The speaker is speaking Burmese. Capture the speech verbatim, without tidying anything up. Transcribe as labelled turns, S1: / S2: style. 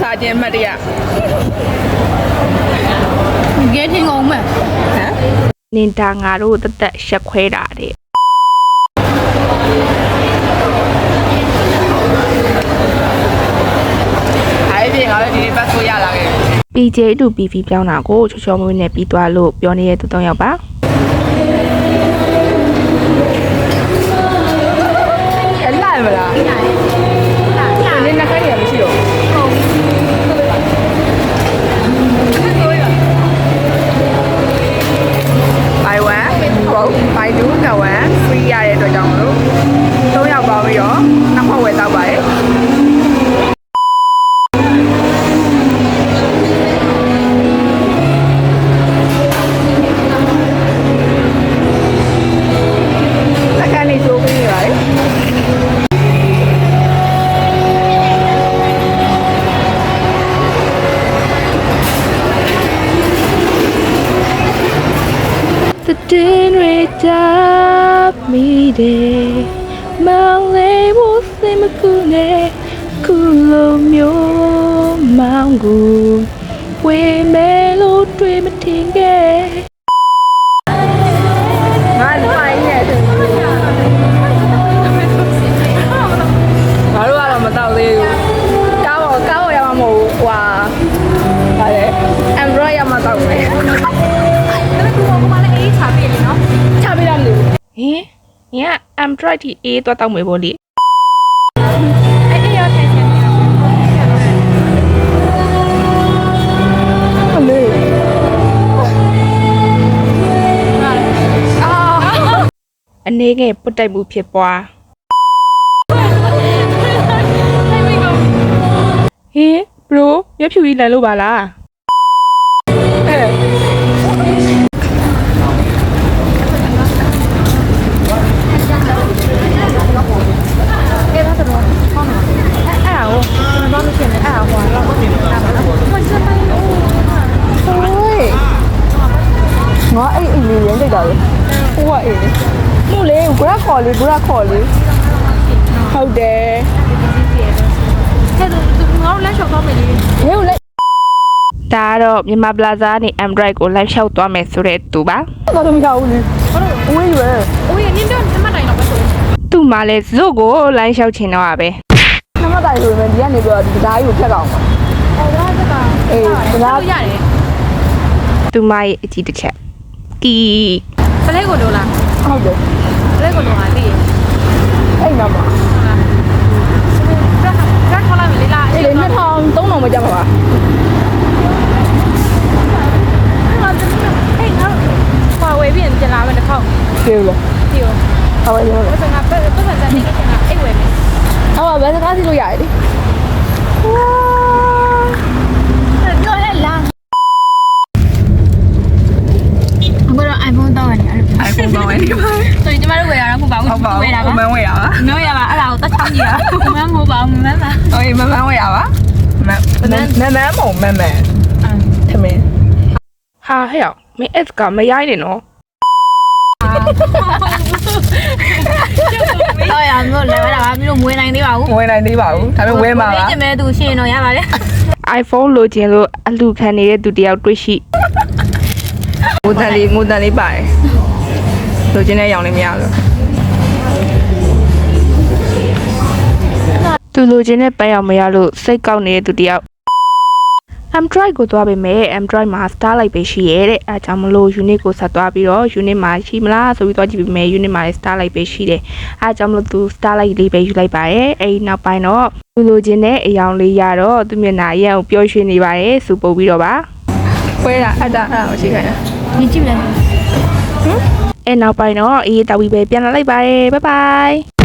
S1: လာခြင်းအမှတ်တရ
S2: ကဲထင်ကုန်မယ်
S1: ဟမ်
S3: နင်တာငါတို့တသက်ရှက်ခွဲတာတဲ့
S1: အဲ့ဒီငါလည်းဒီပတ်ဆိုရလာခဲ့
S3: ပီ ဂျေ တူ ပီ ဗီ ပြောင်းတာကိုချောချောမွေးနဲ့ပြီးသွားလို့ပြောနေတဲ့သူသုံးယောက်ပါ
S1: အဲ့လာမလားလာလာနင်နှခိုင်းရမရှိတော့buy one quote buy two က one free ရတဲ့အတွက်ကြောင့်မလို့သုံးယောက်ပေါင်းပြီးတော့နှစ်ခေါက်ဝယ်တော့ပါတယ်
S3: တင်းရတာမိတယ်မောင်လေးဘုစိမကူနဲ့ခုလိုမျိုးမောင်ကိုဝေမဲလို့တွေ့မထင်ခဲ့
S1: ငါလိုင်းရဲ့ငါတို့ကတော့မတော့သေးဘူးကားပေါ်ကားပေါ်ရမှာမဟုတ်ဘူးဟွာဗါလေ Android ရမှာတော့မယ်ချပေးရလို့
S3: ဟင်ည Android ที่ A ตัวတောက်မယ်ပေါ့လေ
S2: အဲ့ဒီရောက်ထိုင်နေတယ်
S1: အမေအာ
S3: အနေငယ်ပုတ်တိုက်မှုဖြစ်ပွားဟင် bro မျက်ဖြူကြီးလန်လို့ပါလား
S1: အဲငါအဲ့အိမ်လေးရမ်းလိုက်တာလေဟိုကအိမ်လေးမို့လေ grab ခေါ်လေ grab ခေါ်လေဟုတ်တယ်
S2: ကဲသူငါတို့လက်လျှောက်တော့မယ်လေ
S1: ဘယ်လိုလဲ
S3: ဒါကတော့မြန်မာ Plaza နဲ့ Android ကို live လျှောက်သွားမယ်ဆိုတဲ့သူပါ
S1: တော့တော့မရဘူးလေဝေးရွယ်
S2: ဝေးနင်းတော့နမတိုင်တော့ပဲဆို
S3: သူ့မှာလဲဇုတ်ကို live လျှောက်ချင်တော့ပါပဲ
S1: နမတိုင်ဆိုရင်ဒီကနေပြီးတော့ဒီဓာတ်ကြီးကိုဖြတ်ကောင်ပါ
S2: အော်ဒါက
S1: အေးဒါ
S2: ရတယ်
S3: သူမရဲ့အကြည့်တစ်ချက်ကီ
S2: ဖလဲကိုတော့လား
S1: ဟုတ်တယ်
S2: ဖလဲကိုတော့ဟာသိရ
S1: အဲ့နာမှာ
S2: ဟုတ်လားဒါကခေါ်လိုက်လေလား
S1: အဲ့လေနှစ်ထောင်သုံးထောင်မကြပါဘူး
S2: ဟေးငါဟွာဝေးပြီးပြန်လာမယ်တစ်ခေါက်
S1: ပြေလို့
S2: ပြေရော
S1: ဟုတ်ပါရော
S2: ဘယ်ကဘယ်ပတ်စံနေကအိတ်ဝေးမယ်
S1: ဟုတ်ပါဘယ်စကားစီလို့ရတယ်ဝါ
S2: ပြောလဲလားအခုတော့ iPhone တောင်းရတယ်
S1: iPhone တောင်းရတယ်
S2: ဆိုရင်ကျမတို့ဝယ်ရတာမဟုတ်ပါဘူး
S1: ဝယ်တာပါမန်းဝယ်တာပါ
S2: မဝယ်ရပါအဲ့ဒါကိုတတ်ချောင်းကြည့်တာမန်းမဟုတ်ပါဘူးမန်းပါ
S1: โอเคမန်းမန်းဝယ်ရပါမန်းမန်းမန်းမန်းမုံမန်းမန်းထမင်း
S3: ဟာဟဲ့မင်း S ကမရိုင်းနေနော်
S2: တော့ရမျိုးလဲတာပါမျိုးမွေးနိုင်သေးပါဘူး
S1: မွေးနိုင်သေးပါဘူးဒါပေမဲ့ဝယ်မှာပါ
S2: ကျမဲသူရှင်းတော့ရပါလေ
S3: iPhone လိုချင်လို့အလူခံနေတဲ့သူတယောက်တွေ့ရှိ
S1: ငိုတန်လေးငိုတန်လေးပါတယ်လိုချင်တဲ့ရောင်လေးမရဘူး
S3: သူလိုချင်တဲ့ပန်းရောင်မရလို့စိတ်ကောက်နေတဲ့သူတယောက် Android ကိုသွားပေးမယ် Android မှာ Starlight ပဲရှိရဲတဲ့အဲဒါကြောင့်မလို့ unit ကိုဆက်သွားပြီးတော့ unit မှာရှိမလားဆိုပြီးသွားကြည့်ပေးမယ် unit မှာ Starlight ပဲရှိတယ်အဲဒါကြောင့်မလို့သူ Starlight လေးပဲယူလိုက်ပါရဲ့အဲဒီနောက်ပိုင်းတော့သူလိုချင်တဲ့အယောင်လေးရတော့သူမျက်နှာအရင်ကိုပျော်ရွှင်နေပါတယ်စူပုတ်ပြီးတော့ပါ
S1: ခွဲတာအတာအဲ့ဒါကိုရှိခိုင်းတာ
S2: မြင်ကြည့်မလဲဟ
S3: မ်အဲနောက်ပိုင်းတော့အေးတောက်ပြီးပဲပြန်လာလိုက်ပါတယ် bye bye